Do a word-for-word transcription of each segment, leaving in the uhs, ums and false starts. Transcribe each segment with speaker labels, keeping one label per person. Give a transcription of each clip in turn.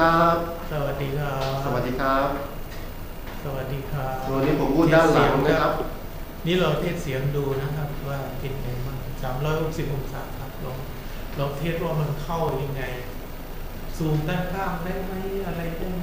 Speaker 1: ครับ
Speaker 2: สวัสดีครับ
Speaker 1: สวัสดีครับ
Speaker 2: สวัสดีครับ
Speaker 1: วันนี้ผมพูดด้านหลังนะครับ
Speaker 2: นี่เราเทสเสียงดูนะครับว่าเป็นไงบ้างสามร้อยหกสิบองศาครับลองลองเทสว่ามันเข้ายังไงซูมด้านข้างได้ไหมอะไรได้ไหม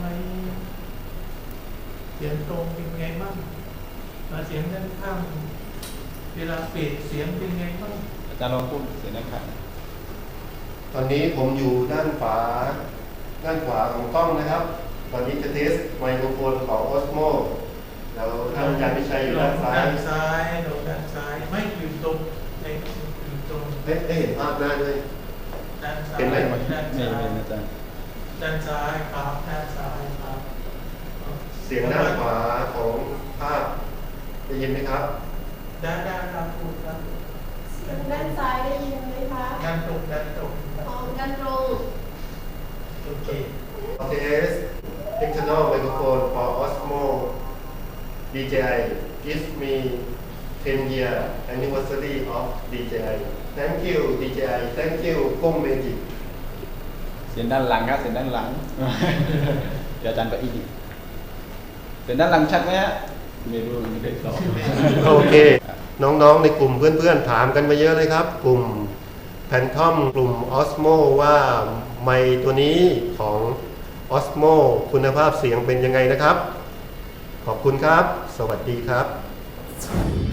Speaker 2: เสียงตรงเป็นไงบ้างมาเสียงด้านข้างเวลาเปลี่ยนเสียงเป็นไงบ้าง
Speaker 3: อาจารย์ลองพูดเสียงด้านข้าง
Speaker 1: ตอนนี้ผมอยู่ด้านขวาด้านขวาของกล้องนะครับตอนนี้จะเทสไมโครโฟนของ Osmo แล้วท่านอาจารย์พิชัยอยู่ด้านซ้าย
Speaker 2: ด้านซ้ายลงด้านซ้ายไม่อยู่ตรงในอยู่ตรง
Speaker 1: ได้ได้เห็นภาพหน้าด้วย
Speaker 2: ด้านซ้าย
Speaker 1: เป็นไหม
Speaker 2: ด้าน
Speaker 3: ไม่
Speaker 2: ซ้าย
Speaker 3: เป็นอาจารย์
Speaker 2: ด้านซ้ายครับด้านซ้ายครับ
Speaker 1: เสียงด้านขวาของภาพได้ยินไหมครับ
Speaker 2: ด้านด้านครับพูดครับ
Speaker 4: เสียงด้านซ้ายได้ยินไหมคะ
Speaker 2: ด้านตรงด้านตรง
Speaker 4: อ๋อด้านตรง
Speaker 2: โอเค
Speaker 1: Test external microphone for Osmo ดี เจ ไอ gives me ten year anniversary of ดี เจ ไอ thank you ดี เจ ไอ thank you กุ้งเมจิก
Speaker 3: เสียงด้านหลังครับเสียงด้านหลัง เดี๋ยวอาจารย์ไปอีกเสียงด้านหลังชัดไหมฮะไม่รู้ไม่ได้ตอบ
Speaker 1: โอเค น้องๆในกลุ่มเพื่อนๆถามกันมาเยอะเลยครับ กลุ่มแพนทอมกลุ่ม Osmo ว่าไมค์ตัวนี้ของ Osmo คุณภาพเสียงเป็นยังไงนะครับ ขอบคุณครับ สวัสดีครับ